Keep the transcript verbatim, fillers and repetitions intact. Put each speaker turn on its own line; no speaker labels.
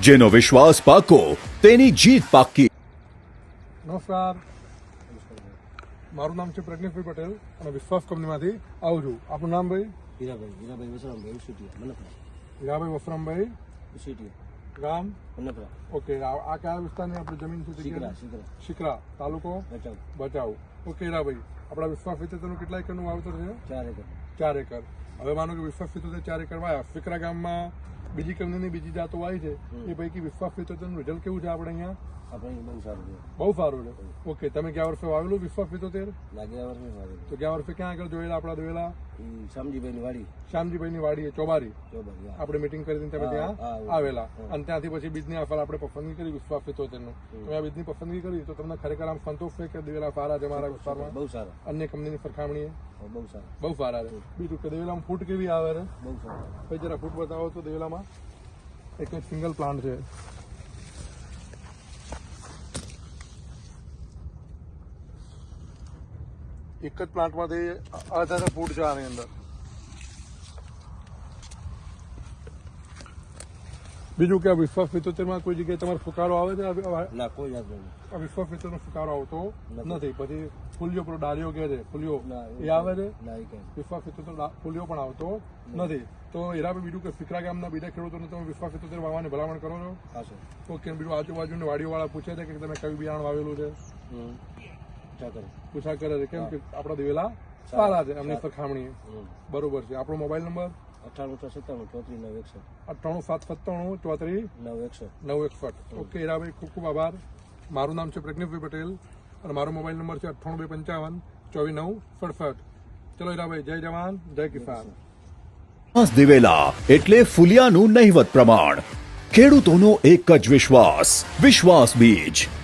જેનો વિશ્વાસ પાકો તેની જીત પાકી.
નમસ્કાર, મારું નામ છે પ્રજ્ઞેશભાઈ પટેલ અને વિશ્વાસ કંપનીમાંથી આવું છું. આપનું નામ ભાઈ?
હીરાભાઈ હીરાભાઈ વસરામભાઈ ઉસીટીયા મનપરા.
હીરાભાઈ વસરામભાઈ
ઉસીટીયા
ગામ
મનપરા.
ઓકે. આ આ કયા વિસ્તારની આપણી જમીન છે?
શીકરા શીકરા
શિકરા તાલુકો
બચાવ
બચાવ. ઓકે હીરાભાઈ, આપણા વિશ્વાસ વિતેતરનું કેટલા એકરનું વાવેતર છે?
ચાર એકર.
ચાર એકર. હવે માનો કે વિશ્વાસ વિતેતર ચાર એકર વાયા, શિકરા ગામમાં બીજી કંપનીની બીજી જાતો વાવી છે, એ પૈકી વિશ્વાસ વિતેતરનું રિઝલ્ટ કેવું છે આપણે અહીંયા?
આપણે બહુ સારું છે.
બહુ સારું છે. ઓકે, તમે ગયા વર્ષે વાવેલું વિશ્વાસ વિતેતર?
લાગ્યા વર્ષે વાવેલું.
તો ગયા વર્ષે ક્યાં આગળ જોયેલા આપણા જોયેલા?
એ શામજીભાઈની વાડી
શ્યામજીભાઈની વાડી ચોબારી
ચોબારી. હા.
આપણે મીટિંગ કરી તમે ત્યાં
હા, હા.
આવેલા અને ત્યાંથી પછી બીજની આફર આપણે પસંદગી કરી વિશ્વાસ પિત્તોતેરનું. તમે આ બીજની પસંદગી કરી તો તમને ખરેખર આમ સંતોષ છે કે દિવેલા સારા છે મારા વિસ્તારમાં?
બહુ સારા.
અન્ય કંપનીની સરખામણીએ
હા, બહુ સારા.
બહુ સારા છે. બીજું કે દિવેલામાં ફૂટ કેવી આવે છે?
બહુ સારા.
પછી જરા ફૂટ બતાવો તો દિવેલામાં. એક એક સિંગલ પ્લાન્ટ છે. એક જ પ્લાન્ટમાંથી અઢાર ફૂટ છે આની અંદર. બીજું કે આ વિશ્વાસ પિત્તોતેરમાં કોઈ જગ્યાએ તમારો ફુકારો આવે છે?
ના, કોઈ જાત નહીં.
આ વિશ્વાસ પિત્તોતેરનો ફુકારો આવતો
નથી.
નથી. પછી ફૂલિયો પેલો ડાળીઓ કહે છે, ફૂલિયો
ના,
એ આવે છે?
ના, એ કઈ
વિશ્વાસ પિત્તોતેર ફૂલિયો પણ આવતો નથી. તો હીરાભાઈ, બીજું કે ફિકરા ગામના બીજા ખેડૂતોને તમે વિશ્વાસ પિત્તોતેર વાવવાની ભલામણ કરો છો?
હા સર.
ઓકે. બીજું આજુબાજુની વાડીઓવાળા પૂછે છે કે તમે કયું બિયારણ વાવેલું છે?
હમ ચા કરો.
પૂછા કરે છે કેમ કે આપણા દિવેલા સારા છે એમની સરખામણીએ. બરોબર છે. આપણો મોબાઈલ નંબર?
અઠ્ઠાણું છ સત્તાણું ચોત્રીસ નવ એકસઠ.
અઠ્ઠાણું સાત સત્તાણું ચોત્રીસ
નવ એકસઠ.
નવ એકસઠ. ઓકે હીરાભાઈ, ખૂબ ખૂબ આભાર. મારું નામ છે પ્રજ્ઞેશભાઈ પટેલ અને મારો મોબાઈલ નંબર છે અઠ્ઠાણું બે પંચાવન ચોવીસ નવ સડસઠ. ચલો હીરાભાઈ, જય જવાન જય કિસાન.
દિવેલા એટલે ફુલિયાનું નહિવત પ્રમાણ. ખેડૂતોનો એક જ વિશ્વાસ, વિશ્વાસ બીજ.